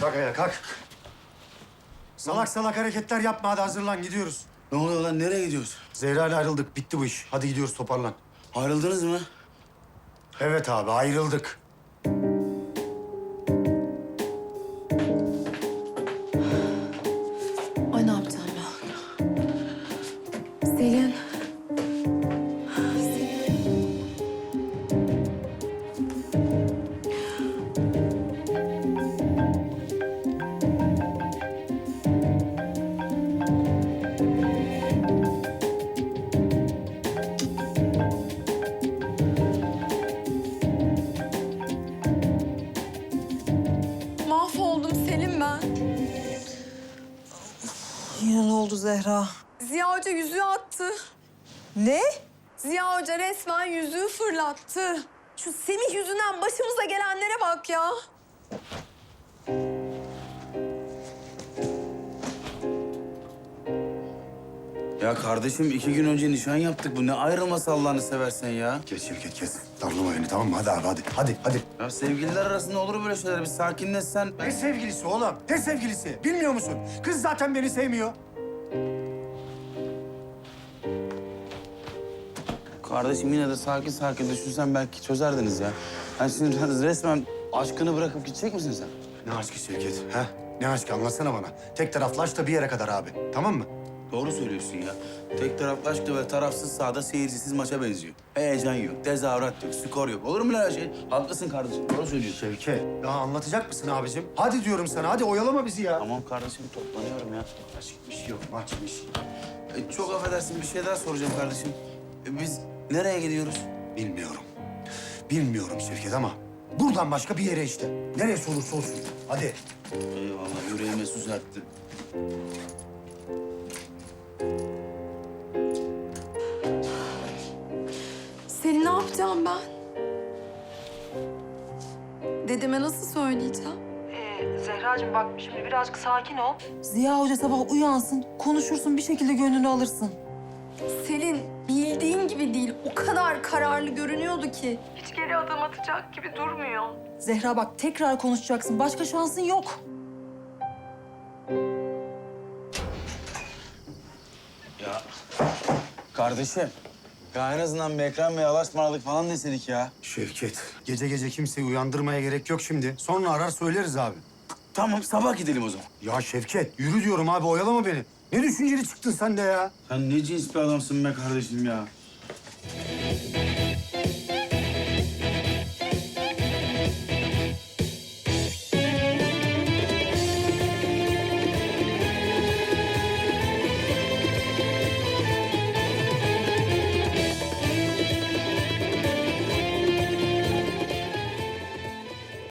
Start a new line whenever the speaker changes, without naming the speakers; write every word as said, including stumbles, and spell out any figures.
Kalk ayağa kalk. Salak salak hareketler yapma, hadi hazırlan, gidiyoruz.
Ne oluyor lan? Nereye gidiyoruz?
Zehra ile ayrıldık, bitti bu iş. Hadi gidiyoruz, toparlan.
Ayrıldınız mı?
Evet abi, ayrıldık.
Ay ne yapacağım ben? Selin. Mahvoldum Selin ben.
Yine ne oldu Zehra?
Ziya Hoca yüzüğü attı.
Ne?
Ziya Hoca resmen yüzüğü fırlattı. Şu Semih yüzünden başımıza gelenlere bak ya.
Ya kardeşim iki gün önce nişan yaptık. Bu ne ayrılması Allah'ını seversen ya.
Kes Şevket, kes. Darlama beni, tamam mı? Hadi abi, hadi. Hadi, hadi.
Ya sevgililer arasında olur böyle şeyler. Bir sakinleşsen.
Ne sevgilisi oğlum? Ne sevgilisi? Bilmiyor musun? Kız zaten beni sevmiyor.
Kardeşim yine de sakin sakin düşünsen belki çözerdiniz ya. Yani şimdi resmen aşkını bırakıp gidecek misin sen?
Ne aşkı Şevket, ha? Ne aşkı, anlatsana bana. Tek taraflı aşk da bir yere kadar abi, tamam mı?
Doğru söylüyorsun ya. Tek taraflı aşk da ve tarafsız sahada seyircisiz maça benziyor. Heyecan yok, tezahürat yok, skor yok. Olur mu lan her şey? Haklısın kardeşim, doğru söylüyorsun.
Şevket, daha anlatacak mısın abicim? Hadi diyorum sana, hadi oyalama bizi ya.
Tamam kardeşim, toplanıyorum ya.
Aşkmış yok, maçmış.
E, çok affedersin, bir şey daha soracağım kardeşim. E, biz nereye gidiyoruz?
Bilmiyorum. Bilmiyorum Şevket ama buradan başka bir yere işte. Neresi olursa olsun. Hadi.
Eyvallah, yüreğime su serpti.
Selin ne yapacağım ben? Dedeme nasıl söyleyeceğim?
Ee, Zehracığım bak şimdi birazcık sakin ol.
Ziya Hoca sabah uyansın, konuşursun, bir şekilde gönlünü alırsın.
Selin bildiğin gibi değil. O kadar kararlı görünüyordu ki.
Hiç geri adım atacak gibi durmuyor.
Zehra bak tekrar konuşacaksın, başka şansın yok.
Ya kardeşim, ya en azından bir Ekrem Bey'e alaşmaralık falan desedik ya.
Şevket, gece gece kimseyi uyandırmaya gerek yok şimdi. Sonra arar söyleriz abi.
Tamam, sabah gidelim o zaman.
Ya Şevket, yürü diyorum abi, oyalama beni. Ne düşünceli çıktın sen de ya?
Sen ne cins bir adamsın be kardeşim ya.